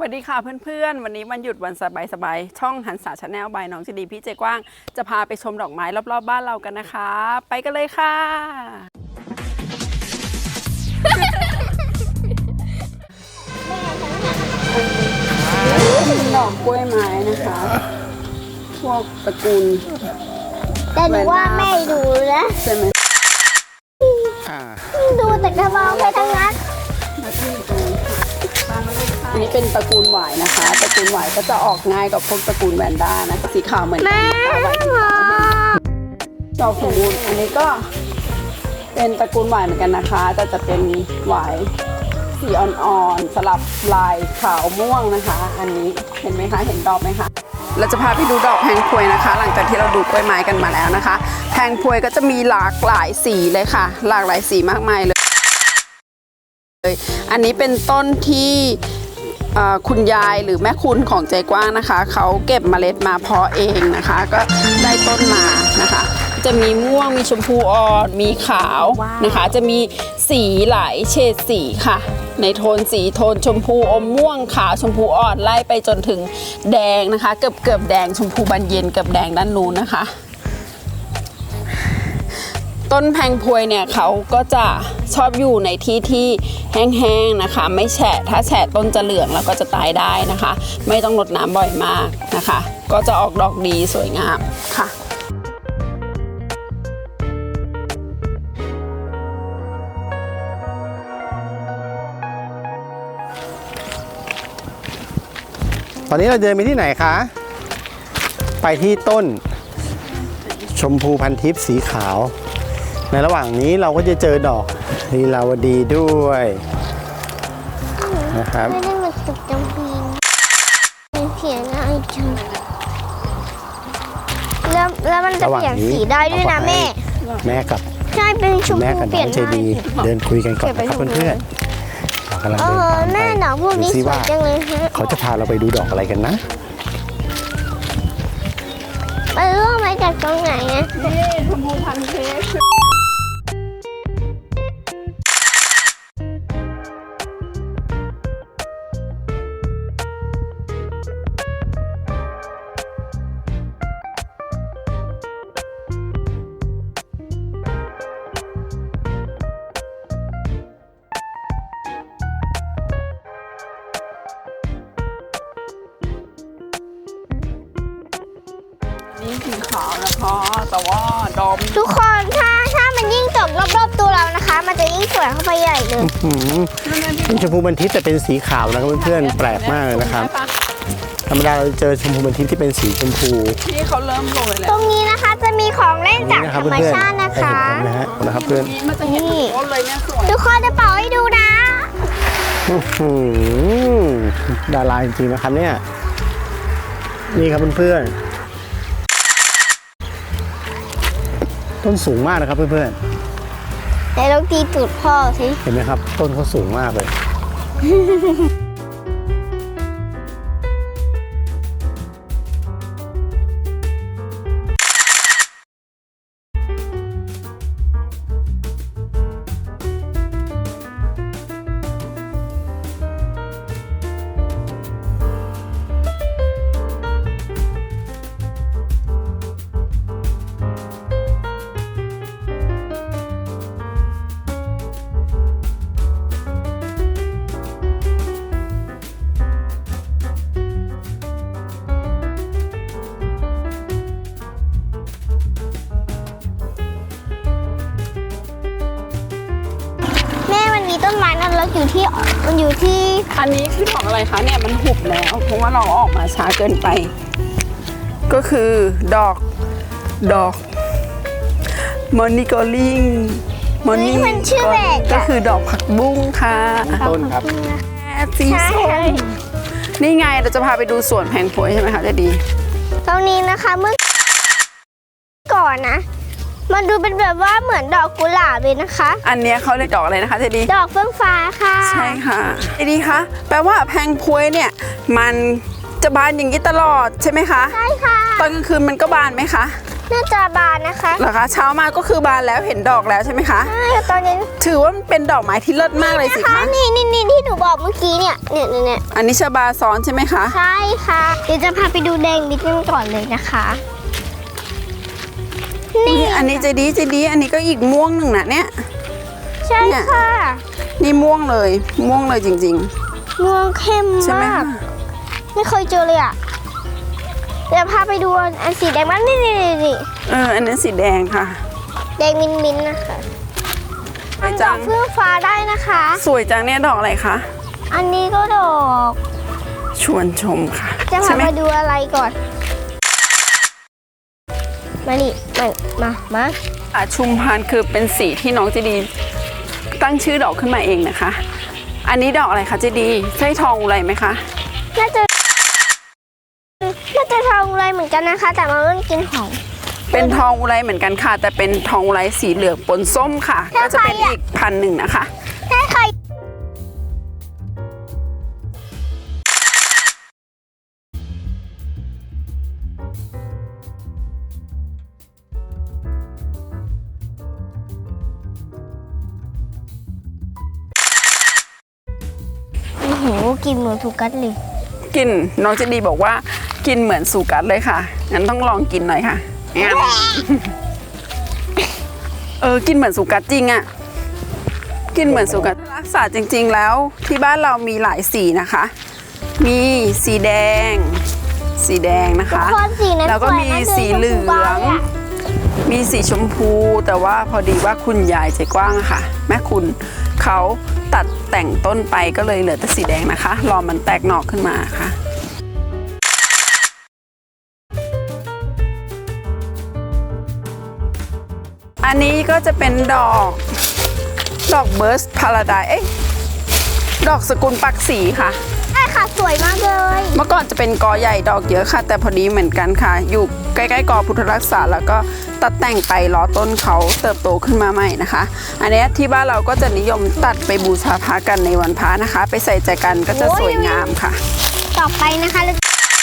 วัสดีค่ะเพื่อนๆวันนี้วันหยุดวันสบายๆช่องหันษาชาแนลบายน้องจีดีพี่เจกว้างจะพาไปชมดอกไม้รอบๆบ้านเรากันนะคะไปกันเลยค่ะดอกกล้วยไม้นะคะพวกตระกูลแต่ดูว่าแม่ดูนะใช่ไหมดูแต่กระบองไปทั้งนั้นอันนี้เป็นตระกูลหวายนะคะตระกูลหวายก็จะออกง่ายกับพวกตระกูลแวนด้านะสีขาวเหมือนกันดอกสมบูรณ์อันนี้ก็เป็นตระกูลหวายเหมือนกันนะคะแต่จะเป็นหวายสีอ่อนๆสลับลายขาวม่วงนะคะอันนี้เห็นไหมคะเห็นดอกไหมคะเราจะพาไปดูดอกแพงพวยนะคะหลังจากที่เราดูกล้วยไม้กันมาแล้วนะคะแพงพวยก็จะมีหลากหลายสีเลยค่ะหลากหลายสีมากมายเลยอันนี้เป็นต้นที่คุณยายหรือแม่คุณของใจกว้างนะคะเขาเก็บเมล็ดมาเพาะเองนะคะก็ได้ต้นมานะคะจะมีม่วงมีชมพูอ่อนมีขาวนะคะจะมีสีหลายเฉดสีค่ะในโทนสีโทนชมพูอมม่วงขาวชมพูอ่อนไล่ไปจนถึงแดงนะคะเกือบแดงชมพูบานเย็นเกือบแดงด้านนู้นนะคะต้นแพงพวยเนี่ยเขาก็จะชอบอยู่ในที่ที่แห้งๆนะคะไม่แฉะถ้าแฉะต้นจะเหลืองแล้วก็จะตายได้นะคะไม่ต้องรดน้ำบ่อยมากนะคะก็จะออกดอกดีสวยงามค่ะตอนนี้เราเดินไปที่ไหนคะไปที่ต้นชมพูพันทิพย์สีขาวในระหว่างนี้เราก็จะเจอดอกลีลาวดีด้วยนะครับไม่ได้มาตุกจำปีนเสียง่ายจังแล้วมันจะเปลี่ยนสีได้ด้วยนะแม่กับใช่เป็นชมพูเปลี่ยนได้เดินคุยกันก่อนนะครับเพื่อนๆเรากำลังเดินทางไปแม่ดอกพวกนี้สวยจังเลยเขาจะพาเราไปดูดอกอะไรกันนะมันร่วงมาจากตรงไหนอะนี่ชมพูพันเทปนี่สีขาวนะคะแต่ว่าดอกทุกคนถ้ามันยิ่งตกรอบๆตัวเรานะคะมันจะยิ่งสวยเข้าไปใหญ่เลยเป็นชมพูพันทิพย์แต่เป็นสีขาวนะครับเพื่อนๆแปลกมากเลยนะครับธรรมดาเราเจอชมพูพันทิพย์ที่เป็นสีชมพูที่เขาเริ่มโรยแล้วตรงนี้นะคะจะมีของเล่นจากธรรมชาตินะคะนะครับเพื่อนมันจะเห็นเลยเนี่ยสวยทุกคนจะเป่าให้ดูนะดาราจริงๆนะครับเนี่ยนี่ครับเพื่อนๆต้นสูงมากนะครับเพื่อนๆแต่เราตีตูดพ่อสิเห็นไหมครับต้นเขาสูงมากเลยต้นไม้นั้นเรามันอยู่ที่อันนี้คือดอกอะไรคะเนี่ยมันหุบแล้วเพราะว่าเราออกมาช้าเกินไปก็คือดอกมอนิโกลิงมันชื่อแปลกก็คือดอกผักบุ้งค่ะต้นครับสีส้มนี่ไงเราจะพาไปดูสวนแพงพวยใช่ไหมคะจะดีตรงนี้นะคะเมื่อก่อนนะมันดูเป็นแบบว่าเหมือนดอกกุหลาบเลยนะคะอันนี้เขาเรียกดอกอะไรนะคะเจดีดอกเฟื่องฟ้าค่ะใช่ค่ะเจดีคะแปลว่าแพงพวยเนี่ยมันจะบานอย่างนี้ตลอดใช่ไหมคะใช่ค่ะตอนกลางคืนมันก็บานไหมคะน่าจะบานนะคะเหรอคะเช้ามาก็คือบานแล้วเห็นดอกแล้วใช่ไหมคะใช่ตอนนี้ถือว่ามันเป็นดอกไม้ที่เลิศมากเลยสินะคะคะนี่ที่หนูบอกเมื่อกี้เนี่ยอันนี้ชบาซ้อนใช่ไหมคะใช่ค่ะ เดี๋ยวจะพาไปดูแดงนิดนึงก่อนเลยนะคะ นี่อันนี้จะดีอันนี้ก็อีกม่วงหนึ่งนะเนี่ยใช่ค่ะนี่ม่วงเลยจริงม่วงเข้มๆ ใช่ไหมมากคะไม่เคยเจอเลยอ่ะ เดี๋ยวพาไปดูอันสีแดงมันนี่อันนั้นสีแดงค่ะแดงมิ้นท์นะคะสมัวยนดจัอง กเฟื่องฟ้าได้นะคะสวยจังเนี่ยดอกอะไรคะอันนี้ก็ดอกชวนชมค่ะจะใช่พาไหมมาดูอะไรก่อน มานี่มาชุมพานคือเป็นสีที่น้องเจดีตั้งชื่อดอกขึ้นมาเองนะคะ อันนี้ดอกอะไรคะเจดีใช่ทองอุไรไหมคะน่าจะทองอะไรเหมือนกันนะคะ แต่มันไม่กินหอมเป็นทองอุไรเหมือนกันค่ะ แต่เป็นทองอุไรสีเหลืองปนส้มค่ะ ก็จะเป็นอีกพันหนึ่งนะคะถ้าใครโอ้โหกินเหมือนถูกกัดเลยกินน้องเจดีบอกว่ากินเหมือนสูกัดเลยค่ะงั้นต้องลองกินหน่อยค่ะแอมกินเหมือนสูกัดจริงอะกินเหมือนสูกัดรักษาจริง ๆ แล้วที่บ้านเรามีหลายสีนะคะ มีสีแดงนะคะทุกคนสีนั้นแล้วก็มีสวยนะสีเหลืชมพูอบ้างงอะมีสีชมพูแต่ว่าพอดีว่าคุณยายใจกว้างอะค่ะ แม่คุณเขาตัดแต่งต้นไปก็เลยเหลือแต่สีแดงนะคะ รอมันแตกหน่อขึ้นมาค่ะ อันนี้ก็จะเป็นดอกเบิร์สพาราไดดอกสกุลปักสีค่ะใช่ค่ะสวยมากเลยเมื่อก่อนจะเป็นกอใหญ่ดอกเยอะค่ะ แต่พอดีเหมือนกันค่ะ อยู่ใกล้ๆกอพุทธรักษาแล้วก็ตัดแต่งไปล้อต้นเขาเติบโตขึ้นมาใหม่นะคะ อันนี้ที่บ้านเราก็จะนิยมตัดไปบูชาพระกันในวันพระนะคะ ไปใส่ใจกันก็จะสวยงามค่ะต่อไปนะคะแล้ว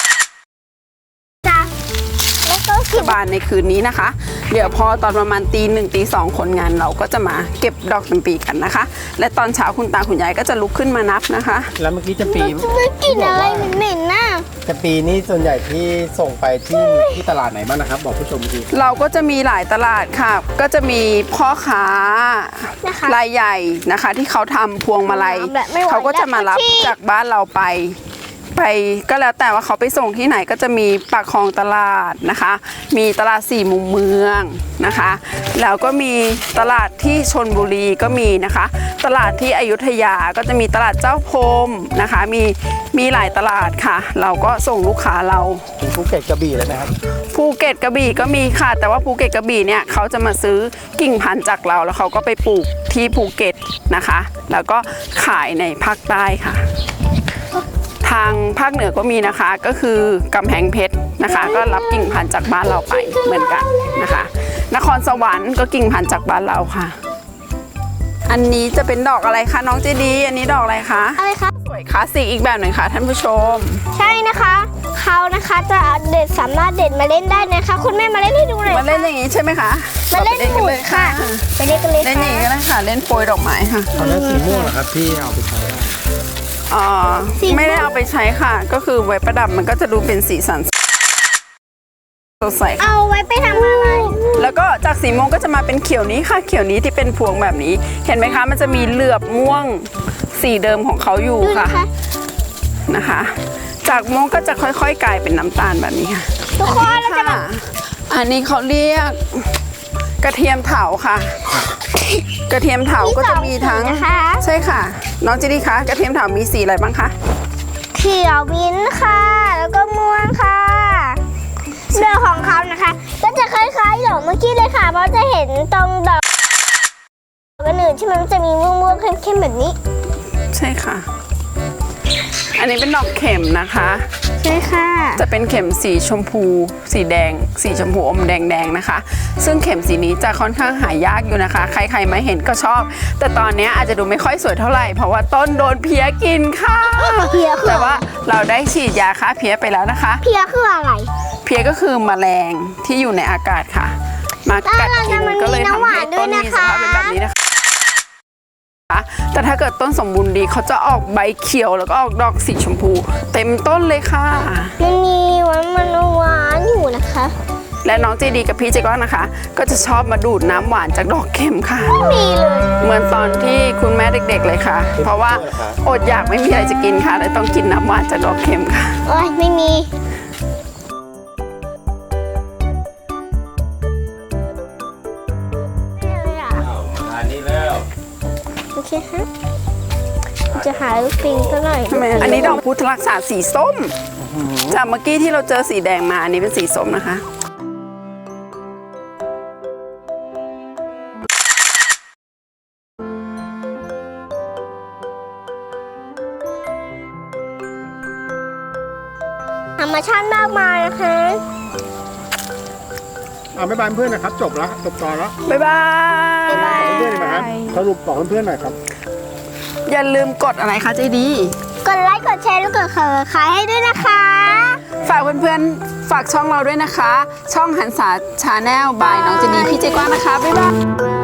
ก็บานในคืนนี้นะคะ เดี๋ยวพอตอนประมาณตี 1 ตี 2คนงานเราก็จะมาเก็บดอกจำปีกันนะคะ และตอนเช้าคุณตาคุณยายก็จะลุกขึ้นมานับนะคะแล้วเมื่อกี้จะปีไม่กลิ่นอะไรเหม็นๆน่ะจะปีนี้ส่วนใหญ่ที่ส่งไปที่ตลาดไหนบ้างนะครับ บอกผู้ชมทีเราก็จะมีหลายตลาดค่ะ ก็จะมีพ่อค้านะคะรายใหญ่นะคะ ที่เขาทำพวงมาลัยแบบไม่ไหวเขาก็จะมารับแล้วค่ะจากบ้านเราไปก็แล้วแต่ว่าเขาไปส่งที่ไหนก็จะมีปากคลองตลาดนะคะ มีตลาดสี่มุมเมืองนะคะ แล้วก็มีตลาดที่ชลบุรีก็มีนะคะ ตลาดที่อยุธยาก็จะมีตลาดเจ้าพรมนะคะ มีหลายตลาดค่ะ เราก็ส่งลูกค้าเราถึงภูเก็ตกระบี่แล้วนะครับภูเก็ตกระบี่ก็มีค่ะ แต่ว่าภูเก็ตกระบี่เนี่ยเขาจะมาซื้อกิ่งพันธุ์จากเราแล้วเขาก็ไปปลูกที่ภูเก็ตนะคะ แล้วก็ขายในภาคใต้ค่ะ ทางภาคเหนือก็มีนะคะ ก็คือกำแพงเพชรนะคะ ก็รับกิ่งพันธุ์จากบ้านเราไปเหมือนกันนะคะ นครสวรรค์ก็กิ่งพันธุ์จากบ้านเราค่ะ อันนี้จะเป็นดอกอะไรคะน้องเจดีอันนี้ดอกอะไรคะอะไรคะสวยคลาสสิกอีกแบบหนึ่งค่ะท่านผู้ชมใช่นะคะเขานะคะจะสามารถเด็ดมาเล่นได้นะคะ คุณแม่มาเล่นให้ดูหน่อยมาเล่นอย่างนี้ใช่ไหมคะมาเล่นหมุนค่ะไปเล่นกันเลยเล่นอย่างนี้ก็ได้ค่ะ เล่นโปรยดอกไม้ค่ะตอนนั้นสีม่วงเหรอครับที่เอาไปใช้ได้ไม่ได้เอาไปใช้ค่ะ ก็คือไว้ประดับมันก็จะดูเป็นสีสันสดใสค่ะเอาไว้ไปทำอะไรแล้วก็จากสีม่วงก็จะมาเป็นเขียวนี้ค่ะ เขียวนี้ที่เป็นพวงแบบนี้ เห็นไหมคะ มันจะมีเหลือบม่วงสีเดิมของเขาอยู่ดูค่ะนะคะนะคะ จากม่วงก็จะค่อยๆกลายเป็นน้ำตาลแบบนี้ค่ะทุกคนเราจะมาค่ะอันนี้เขาเรียกกระเทียมเถาค่ะ กระเทียมเถาก็จะมีทั้งนะคะใช่ค่ะ น้องเจดีคะกระเทียมเถามีสีอะไรบ้างคะเขียวมิ้นท์ค่ะ แล้วก็ม่วงค่ะเนื้อของเขานะคะ ก็จะคล้ายๆดอกเมื่อกี้เลยค่ะ เพราะจะเห็นตรงดอกกันอื่นที่มันจะมีม่วงๆเข้มๆแบบนี้ใช่ค่ะ อันนี้เป็นดอกเข็มนะคะใช่ค่ะจะเป็นเข็มสีชมพู สีแดง สีชมพูอมแดงๆนะคะ ซึ่งเข็มสีนี้จะค่อนข้างหายากอยู่นะคะ ใครๆมาเห็นก็ชอบ แต่ตอนนี้อาจจะดูไม่ค่อยสวยเท่าไหร่ เพราะว่าต้นโดนเพี้ยกินค่ะเพี้ยคือแต่ว่าเราได้ฉีดยาฆ่าเพี้ยไปแล้วนะคะเพียคืออะไรเพี้ยก็คือแมลงที่อยู่ในอากาศค่ะ มากัดกินก็เลยทำให้ต้นมีสภาพเป็นแบบนี้นะคะแต่ถ้าเกิดต้นสมบูรณ์ดีเขาจะออกใบเขียวแล้วก็ออกดอกสีชมพู เต็มต้นเลยค่ะมันมีมันหวานอยู่นะคะและน้องเจดีกับพี่เจก้อนนะคะ ก็จะชอบมาดูดน้ำหวานจากดอกเข็มค่ะไม่มีเลยเหมือนตอนที่คุณแม่เด็กๆเลยค่ะ เพราะว่าอดอยากไม่มีอะไรจะกินค่ะเลยต้องกินน้ำหวานจากดอกเข็มค่ะโอ้ยไม่มีไม่เลยอ่ะอันนี้แล้วโอเคฮะจะหาลูกปิงซะหน่อยอันนี้ดอกพุทธรักษาสีส้ม จากเมื่อกี้ที่เราเจอสีแดงมาอันนี้เป็นสีส้มนะคะธรรมชาติมากมายนะคะบ๊ายบายเพื่อนนะครับจบแล้วจบตอนแล้วบ๊ายบายเพื่อนๆหน่อยครับสรุปบอกเพื่อนๆหน่อยครับอย่าลืมกดอะไรคะเจดีกดไลค์ กดแชร์ แล้วกดขายให้ด้วยนะคะฝากเพื่อนๆ ฝากช่องเราด้วยนะคะ ช่องหันษาชาแนลบายน้องเจดีพี่เจกว้างนะคะ บ๊ายบาย